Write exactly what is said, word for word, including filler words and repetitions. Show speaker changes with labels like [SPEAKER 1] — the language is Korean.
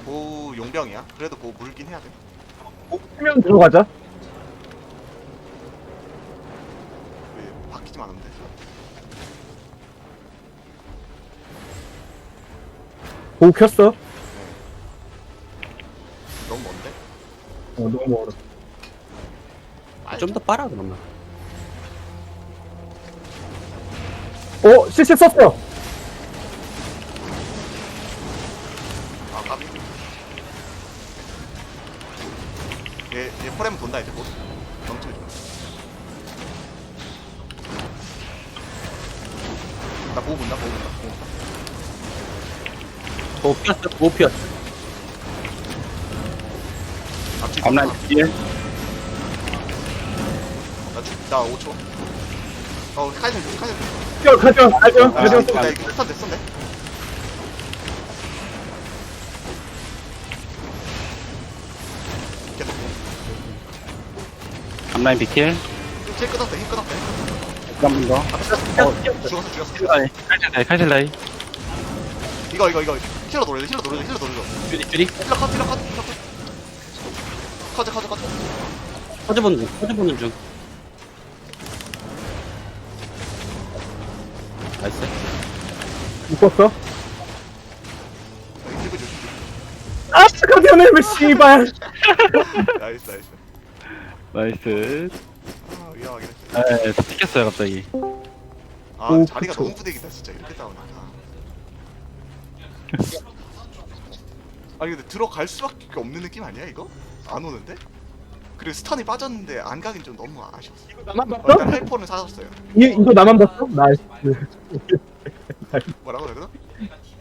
[SPEAKER 1] 보우 용병이야. 그래도 보우 물긴 해야 돼.
[SPEAKER 2] 수면 들어가자.
[SPEAKER 1] 왜 바뀌지만 않으면 돼.
[SPEAKER 2] 보고 켰어.
[SPEAKER 1] 너무 먼데?
[SPEAKER 2] 어, 너무 멀어.
[SPEAKER 1] 아,
[SPEAKER 3] 좀 더 빨아 그러면.
[SPEAKER 2] 어, 실실 썼어.
[SPEAKER 1] 아 까비. 얘, 얘 포렘 돈다 이제 곧. 멍청이 좀. 나 보고 본다 보고 본다 보고 본다.
[SPEAKER 3] 오 피었어. 오 피었어.
[SPEAKER 1] 앞뒤
[SPEAKER 3] 앞라인 뒤에.
[SPEAKER 1] 나 죽, 나 오 초. 어 카이센 좀 카이센 좀.
[SPEAKER 2] 켜, 가져, 가져,
[SPEAKER 3] 아,
[SPEAKER 2] 가져.
[SPEAKER 3] 아,
[SPEAKER 1] 나 이거 스턴 됐었네. 계속.
[SPEAKER 3] 앞라인 비킬.
[SPEAKER 1] 힐 끊었대 힐 끊었대.
[SPEAKER 3] 한 번 더.
[SPEAKER 1] 어 죽었어 죽었어 죽었어.
[SPEAKER 3] 칼실라이. 칼실라이. 칼실라이.
[SPEAKER 1] 이거 이거 이거 힐러 노려줘 힐러 노려줘 힐러 노려줘.
[SPEAKER 3] 쭈리 쭈리.
[SPEAKER 1] 힐러 컷 힐러 컷 힐러 컷. 커져 커져 커져.
[SPEAKER 3] 퍼즈 보는 중. 퍼즈 보는 중. 나이스.
[SPEAKER 2] 묶었어.
[SPEAKER 1] 여기 들고 조심.
[SPEAKER 2] 아, 가져네, 왜 씨발.
[SPEAKER 1] 나이스 나이스.
[SPEAKER 3] 나이스.
[SPEAKER 1] 아 위험하긴 했어.
[SPEAKER 3] 에, 튀겼어요 갑자기.
[SPEAKER 1] 아
[SPEAKER 2] 오,
[SPEAKER 1] 자리가
[SPEAKER 2] 그쵸.
[SPEAKER 1] 너무 부대기다 진짜 이렇게 싸우니까. 아니 근데 들어갈 수밖에 없는 느낌 아니야 이거? 안 오는데? 그리고 스턴이 빠졌는데 안 가긴 좀 너무 아쉬웠어.
[SPEAKER 2] 나만
[SPEAKER 1] 어,
[SPEAKER 2] 봤어?
[SPEAKER 1] 일단 헬포는 사줬어요.
[SPEAKER 2] 이, 이거 나만 봤어? 나이스.
[SPEAKER 1] 뭐라고 그러나?